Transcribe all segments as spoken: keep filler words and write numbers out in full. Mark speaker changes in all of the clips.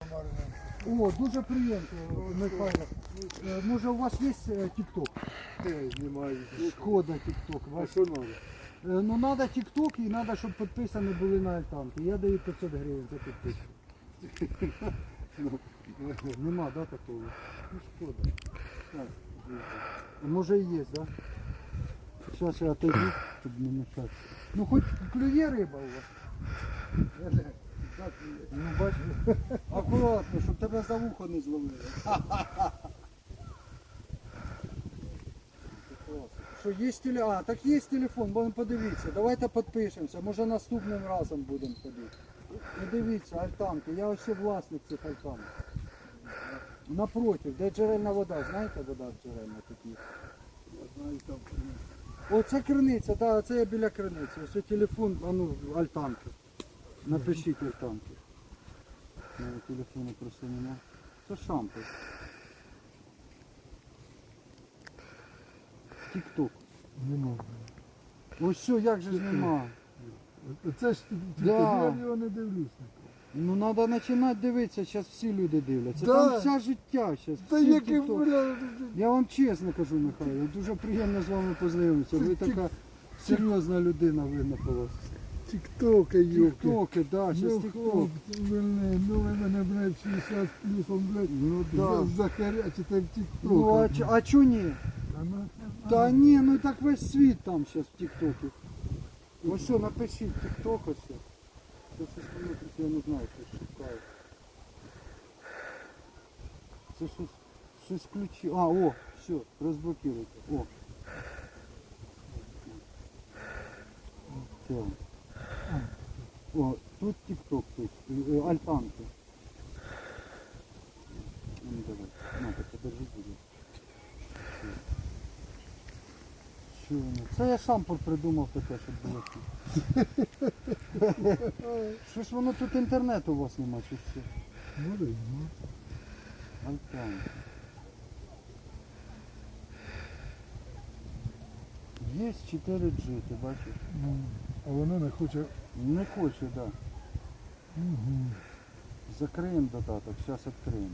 Speaker 1: О, дуже приємно, Михайло. Е, Може у вас є тік-ток?
Speaker 2: Немає.
Speaker 1: Шкода тік-ток.
Speaker 2: А що треба?
Speaker 1: Ну треба тік-ток і треба, щоб підписані були на альтанки. Я даю п'ятсот гривень за підписку. Нема, да, такого? Ну шкода. Так. Може і є, да? Зараз я отойду, щоб не мешати. Ну хоч клює риба у вас. Ну бачиш, акуратно, щоб тебе за вухо не зловили. Що є телефон? А, так є телефон, будемо подивитися. Давайте підпишемося, може наступним разом будемо ходити. І дивіться, альтанки, я ось ще власник цих альтанок. Напротив, де джерельна вода, знаєте вода джерельна такі?
Speaker 2: Я знаю, там.
Speaker 1: О, це криниця, да, це я біля криниці. Ось телефон, а ну, альтанки. Напишіть альтанки. У мене телефону просто нема. Це шампунь. Тік-ток.
Speaker 2: Нема.
Speaker 1: Ось все, як же ж нема.
Speaker 2: Це ж
Speaker 1: Да.
Speaker 2: я його не дивлюсь.
Speaker 1: Ну треба починати дивитися, зараз всі люди дивляться.
Speaker 2: Да.
Speaker 1: Там вся життя зараз.
Speaker 2: Та
Speaker 1: всі
Speaker 2: який,
Speaker 1: тік-ток.
Speaker 2: бля,
Speaker 1: Я вам чесно кажу, Михайло, дуже приємно з вами познайомитися. Ви
Speaker 2: Це
Speaker 1: така серйозна людина, видно по вас.
Speaker 2: тік-тока, йоки.
Speaker 1: Тіктоки, так, зараз
Speaker 2: Ну,
Speaker 1: тікток.
Speaker 2: хлопці, блин, ну ви мене, блядь, шістдесят плюсом, блядь,
Speaker 1: Ну да.
Speaker 2: захарячите в тік-ток.
Speaker 1: Ну а, чо- а чо ні?
Speaker 2: А ну,
Speaker 1: Та ні, ну так весь світ там зараз в тіктокі. Ось що, напишіть тікток ось. Це щось воно тут, я не знаю, щось шукаю. Це щось, щось ключі. А, о, все, розблокируйте. О. Все. О, тут тікток, тут, е, е, альтанки. Ну давай, на, так подержи, буде. Що воно? Це я сам придумав таке, щоб було тут. Що ж воно тут інтернету у вас нема, чи що?
Speaker 2: може, ну.
Speaker 1: Альтанки. Є чотири джи, ти бачиш?
Speaker 2: Ну, а воно не хоче.
Speaker 1: Не хоче, так. Да.
Speaker 2: Угу.
Speaker 1: Закриємо додаток, зараз відкриємо.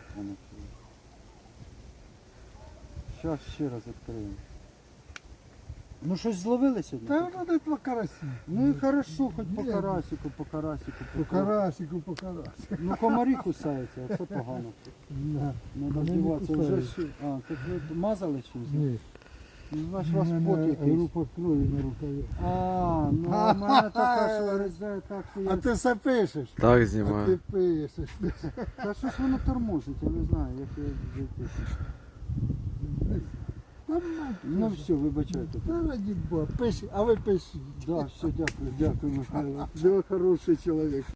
Speaker 1: Зараз ще раз відкриємо. Ну щось зловили сьогодні?
Speaker 2: Та воно десь по карасі.
Speaker 1: Ну і хорошо, хоч по
Speaker 2: Ні.
Speaker 1: карасику, по карасику.
Speaker 2: По карасику, по карасику.
Speaker 1: Ну комарі кусаються, а це погано.
Speaker 2: Да.
Speaker 1: Надо
Speaker 2: Вони не
Speaker 1: здіватися. Вже
Speaker 2: кусаються.
Speaker 1: ще. А, так ви мазали чимось?
Speaker 2: Ні.
Speaker 1: Ну, значить, у вас
Speaker 2: У
Speaker 1: пот
Speaker 2: мене
Speaker 1: якийсь.
Speaker 2: група крові на рукаві.
Speaker 1: А, ну у мене така, що резає так, що
Speaker 2: А
Speaker 1: я...
Speaker 2: ти все пишеш?
Speaker 3: Так
Speaker 2: А ти
Speaker 3: знімаю.
Speaker 2: пишеш.
Speaker 1: Та щось воно тормозить, я не знаю, як я жити.
Speaker 2: Та мать.
Speaker 1: Ну все, вибачайте.
Speaker 2: Та раді Бога, пиши, а ви пишіть.
Speaker 1: Да, все, дякую, дякую, Михайло. Ви хороший чоловік.